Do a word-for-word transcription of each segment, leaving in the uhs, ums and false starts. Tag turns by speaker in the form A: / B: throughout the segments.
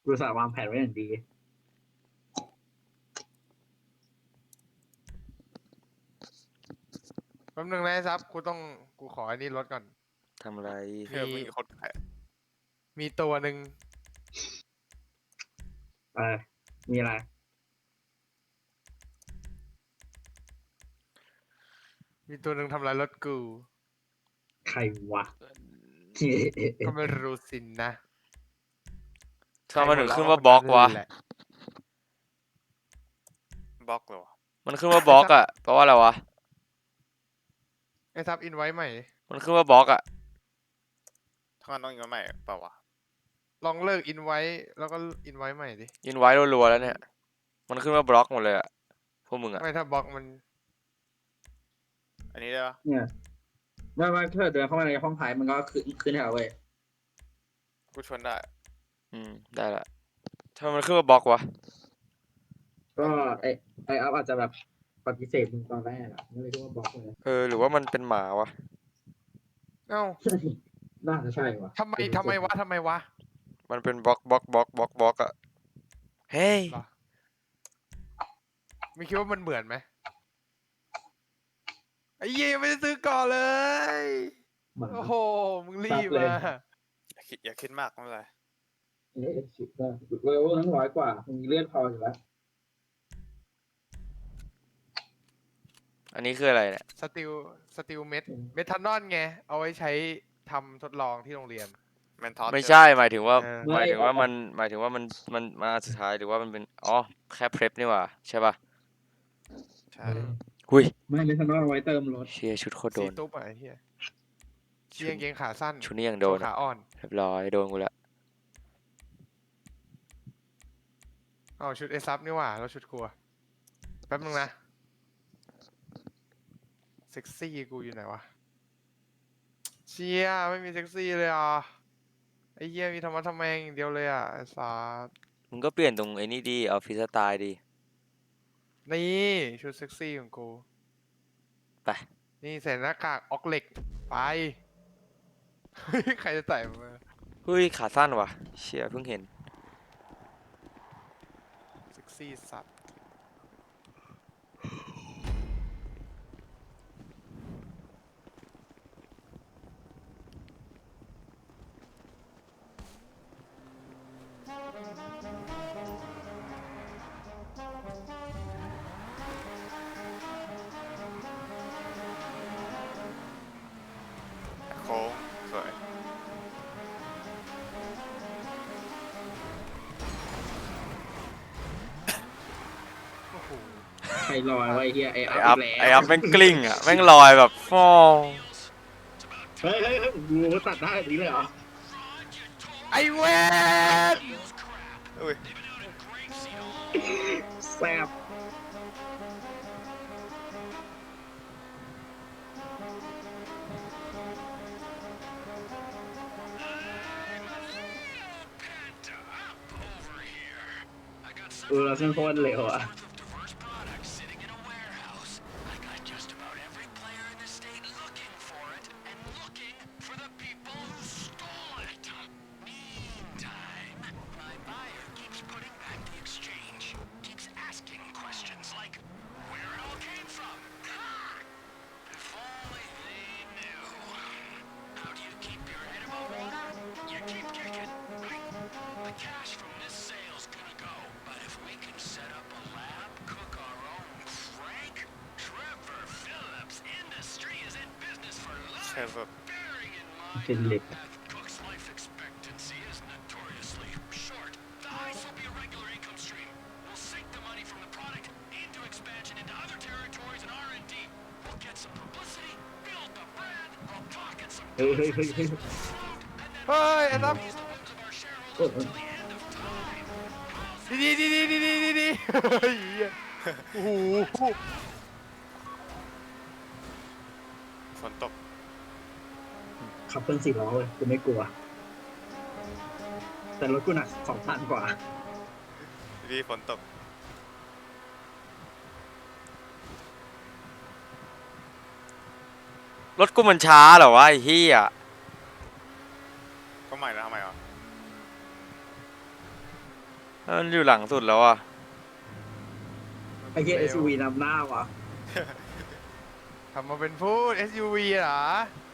A: กูสาวางแผนไว้อย่างดี
B: แป๊บนึงนะไอ้ซับกูต้องกูขออันนี้ลดก่อน
C: ทำอะไร
D: เฮ้ยมีคนขาย
B: มีตัวหนึ่ง
A: เออมีอะไร
B: มีตัวหนึ่งทำลายรถกู
A: ใครวะ
B: ก็ไม่รู้สินนะ
C: ถ้ามันถึงขึ้นว่าบล็อกวะ
B: แหล
D: บล็อกเหรอวะ
C: มันขึ้นว่าบล็อกอะแปลว่าอะไรวะ
B: ไอ้ซับอินไว้ใหม่
C: มันขึ้นว่าบล็อกอะ
D: ถ้ามันต้องอีกใหม่เปล่าวะ
B: ลองเลิกอินไว้แล้วก็อินไว้ใหม่ดิ
C: ยินไว้รัวๆแล้วเนี่ย มันขึ้นว่าบล็อกหมดเลยอะพวกมึงอะ
B: ไม่ถ้าบล็อกมัน
D: อันนี้ได้ปะ
A: เนี่ยว่าว่าถ้าเดินเข้ามาในห้องท้ายมันก็ขึ้นขึ้นให้เราเว้ย
D: กูชวนได้
C: อืมได้ละถ้ามันขึ้นว่าบล็อกวะ
A: ก็ไอไออัพอาจจะแบบปฏิเสธมึงตอนแรกอะไม่เลยคิดว่าบล็อกเลย
C: เออหรือว่ามันเป็นหมาวะ
B: เอ้า
A: น่าจะใช่วะ
B: ทำไมทำไมวะทำไมวะ
C: มันเป็นบล็อกบล็อกบล็อกบล็อกบล็อกอะเฮ้ย
B: เหรอไม่คิดว่ามันเหมือนไหมไอ้เหี้ยยังไม่ได้ซื้อก่อนเลย
A: หมา
B: โอ้โหมึงรีบมา
D: อย่าคิดอย่าคิดมากไม่เป็นไร
A: เอ๊ะชิบได้เลเวลทั้งร้อยกว่ามึงมีเลือดพออยู่แล้ว
C: อันนี้คืออะไรเนี่ย
B: สติลสติลเมทเมทานอนไง เอาไว้ใช้ทำทดลองที่โรงเรียน
D: แมนทอส
C: ไม่ใช่หมายถึงว่า
B: เออ
C: หมายถึงว่ามันหมายถึงว่ามันมันมาอันสุดท้ายหรือว่ามันเป็นอ๋อแค่เพลฟนี่หว่าใช่ป่ะ
D: ใช่
C: หุย
A: ไม่ไม่ทันว่าเอาไว้เติมรถ
C: เชียชุดโคตรโด
B: ซี
C: น
B: ตุ๊บอ่ะไอ้เหี้ยเชียงเกงขาสั้น
C: ชุดนี้ยังโดน
B: โชว์ขาอ่อน
C: เรียบร้อยโดนกูละ
B: เอาชุดเอซับนี่หว่าแล้วชุดกูอะแป๊บนึงนะ เซ็กซี่กูอยู่ไหนวะ เชียไม่มีเซ็กซี่เลยอ่ะ ไอ้เหี้ยมีธรรมะทำแมงอย่างเดียวเลยอ่ะไอ้สัส
C: มึงก็เปลี่ยนตรงไอ้นี่ดีเอาฟรีสไตล์ดี
B: นี่ชุดเซ็กซี่ของกู
C: ไป
B: นี่ใส่หน้ากากออกเหล็ก ไป เฮ้ยใครจะใส่มา
C: เฮ้ยขาสั้นว่ะเชียเพิ่งเห็น
B: เซ็กซี่สัตว์
D: โค้งสวย
B: โอ้โห
A: ใครลอยไว้เฮียไอ
C: ไอ
A: อั
C: อั
A: พ
C: พ
A: อีก
C: ไอ
A: แล้ว
C: อัพแม่งกลิ้งอ่ะแม่งลอยแบบฟอง
A: เฮ้ยเฮ้ยเฮ้ยกูตัดได้แบบนี้เลยเหรอ
B: ไอเวน
D: อุ้ย
A: แซ่บ เออเราเส้นโคตรเร็วอ่ะ
D: ใช่แบบ
A: เป็นเหล็ก เฮ้ยเฮ้ยเฮ้ยเฮ้ย
B: เฮ้ยไอ้ซับ
A: โอ้โห
B: ดีดีดีดีดีดีดีเฮ้ยโอ้โห
D: ฝนตก
A: ขับเครื่องสี่ล้อเลยกูไม่กลัว แต่รถกูหนักสองตันกว่า
D: ดีฝนตก
C: รถกูมันช้าเหรอวะไอ้เหี้ย
D: ก็ใหม่แล้วทำไมอ่ะ
C: มันอยู่หลังสุดแล้วอ่ะ
A: ไอ้เหี้ย เอส ยู วี นำหน้าวะ
B: ทำมาเป็นพูด เอส ยู วี เหรอ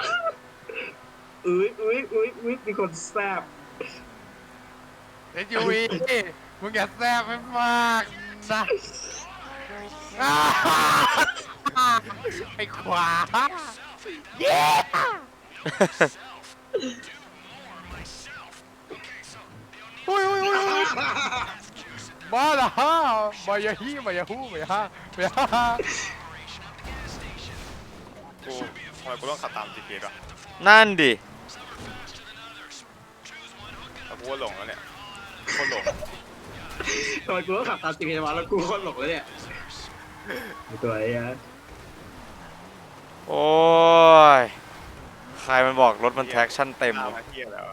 A: อุ้ยอุ้ยอุ้ยอุ้ยมีคนแซบ
B: เอส ยู วี มึงอย่าแซบไม่มากนะอ้าไอ้ขวาเย้อุ้ยอุ้ยอุ้ยอุ้ยมาละฮะมายาฮีมายาฮูมายาฮามา ยาฮา
D: กูทำไมกูต้องขับตาม จี พี เอส วะ
C: นั่นดิ
D: แต่กูว่าหลงแล้วเนี่ยโคตรหลง
A: ตอนกูก็ขับตามจีพีมาแล้วกูก็หลงแล้วเนี่ยไอ้ตัวไอ้เหี้ย
C: โอ้ย ใครมันบอกรถมัน traction เต็ม
D: ตาม
C: วะ
D: มาเที่ยแล้วอะ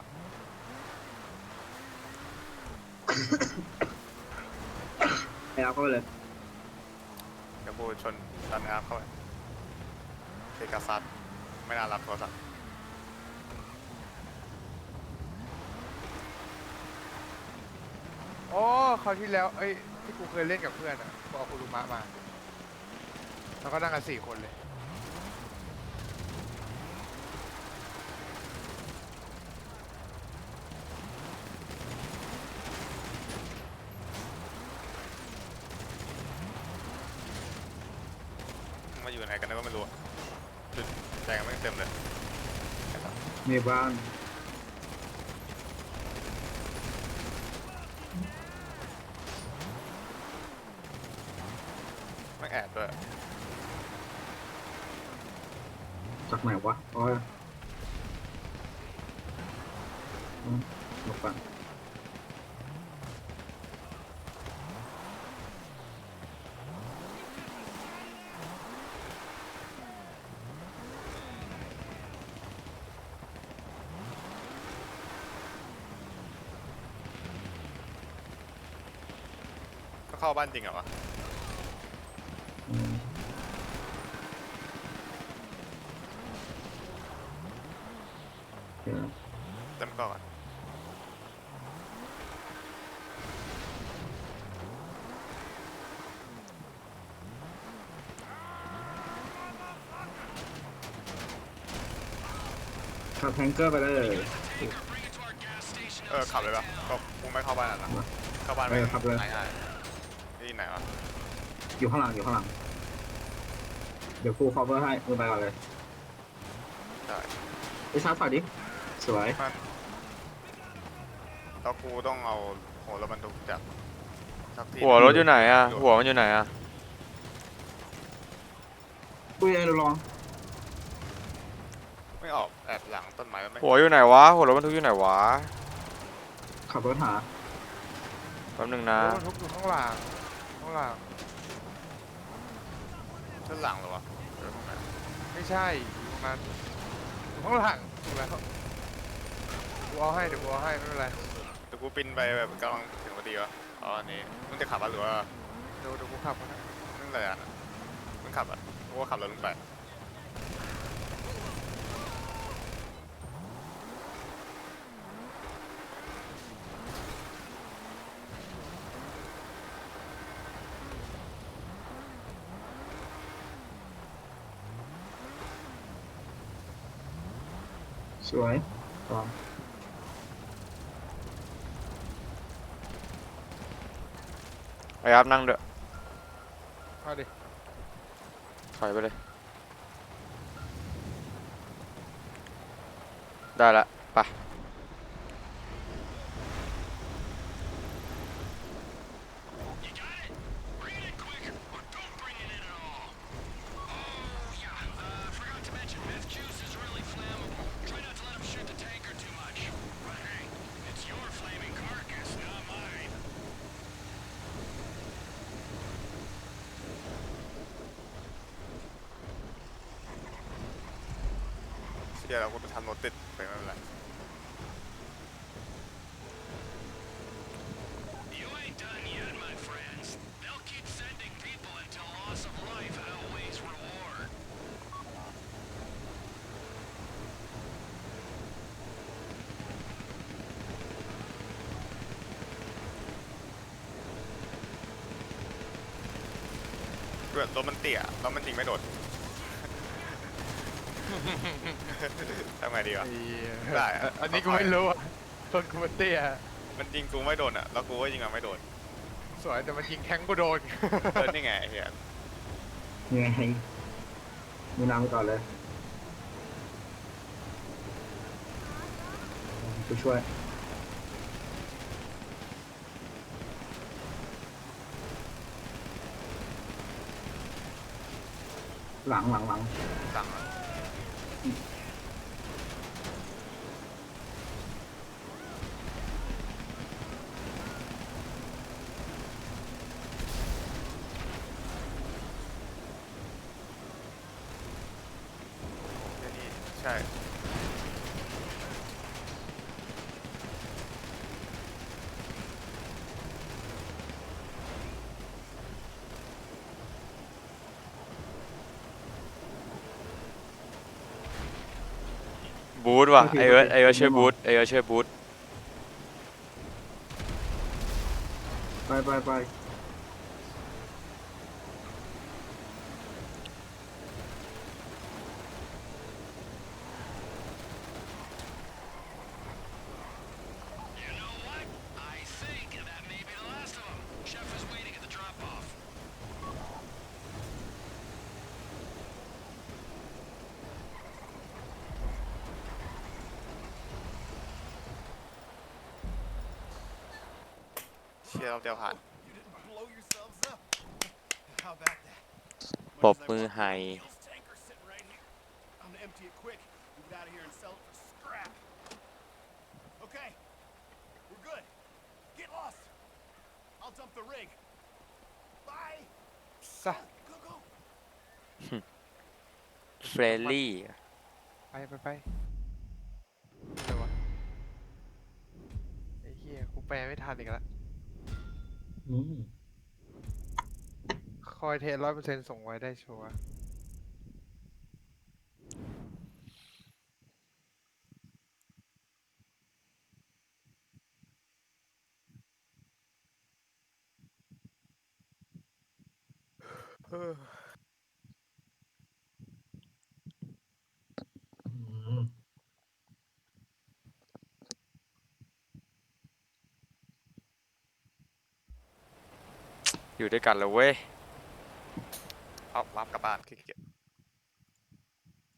A: ไอ้เอาเข้าไปเลย
D: เดี๋ยวกูชนดันอาร์เข้าไปเทกาซัสไม่น่ารับโทรศัพท์
B: โอ้คราวที่แล้วเอ้ยที่กูเคยเล่นกับเพื่อนอ่ะกูเอาคุรุมะมาแล้วก็นั่งกันสี่คนเลย
D: มาอยู่ไหนกันก็ไม่รู้อะจุดแดงไม่เต็มเลย
A: มีบ้าง
D: ไม่แอดด้วย
A: จากไหนวะอ๋ออืมหลบก่อน
D: ก็เข้าบ้านจริงเหรอวะ
A: อืมเดี๋ยว
D: เต็มก่อน
A: ขับแทงเกอร์ไปเลย
D: เออขับเลยปะก็กูไม่เข้าบ้านอ่ะนะเข้าบ้านไม่
A: เออขับเลย
D: ไหนไหนที่ไหนวะ
A: อยู่ข้างหลังอยู่ข้างหลัง เดี๋ยวฟูลคอเวอร์ให้มือไปก่อนเลย
D: ได้
A: ไปชาร์จถอยดิ สวย
D: แล้วกูต้องเอาหัวรถบรรทุกจากสักที่
C: หัวรถอยู่ไหนอ่ะ หัวมันอยู่ไหนอ่ะ
A: ปุ้ยไอ้ดูลอง
D: ไม่ออกแอบหลังต้นไม้มันไม่
C: หัวอยู่ไหนวะ หัวรถบรรทุกอยู่ไหนวะ
A: ขับรถหา
C: แป๊บนึงนะ
B: รถบรรทุกอยู่ข้างหลังข้างหลัง
D: ต้นหลังเหรอวะเออตรงไหน
B: ไม่ใช่อยู่ตรงนั้นอยู่ข้างหลังถูกแล้วกูเอาให้เดี๋ยวกูเอาให้ไม่เป็นไร
D: เดี๋ยวกูปินไปแบบกำลังถึงพอดีวะอ๋ออันนี้มึงจะขับอ่ะหรือว่า
B: เดี๋ยวเดี๋ยวกูขับมาให้
D: มึงอะไรอ่ะมึงขับอ่ะกูก็ขับรถลงไป
A: สวยลอง
C: ไอ้ครับนั่งเด้อ
B: มาดิ
C: ถอยไปเลย ได้ละไป
D: เดี๋ยวเรากูจะทำรถติดไปไม่เป็นไร
A: ส
D: รถมันเตี้ยแล้วมันจริงไม่โดด ทำไงดีวะ
B: ไอ้เหี้ย
D: ได้อะ
B: อันนี้กูไม่รู้อ่ะชนกูมันเตี้ย
D: มันยิงกูไม่โดนอ่ะแล้วกูก็ยิงมันไม่โดน
B: สวยแต่มันยิงแทงกูโดน
D: เออนี่ไงไอ้เฮีย
A: ยังไงมึงนำไปก่อนเลยกูช่วย หลังหลังหลัง
D: สั่ง นี่ใช่
C: บูทว่ะไอเอิร์ธไอเอิร์ธช่วยบูทไอเอิร์ธช่วยบูท
A: ไปไปไป
D: เชียร์เราเดียวผ่าน
E: Blow yourselves up. How about that?
C: ปรบมือให้
E: Fuel's tanker sitting right here. I'm gonna empty it quick. Move it out of here and sell it for scrap. Okay, we're good. Get lost. I'll dump the rig. Bye.
B: ซะ
E: Go go.
C: เฟรนลี่
B: ไปไปไปอะไรวะไอ้เหี้ยกูแปลไม่ทันอีกแล้ว
A: อืม
B: คอยเทร้อยเปอร์เซ็นต์ส่งไว้ได้ชัวร์
A: อืม
C: อยู่ด้วยกันเลยเว้ย
D: เอารับกลับบ้านขี้เกียจ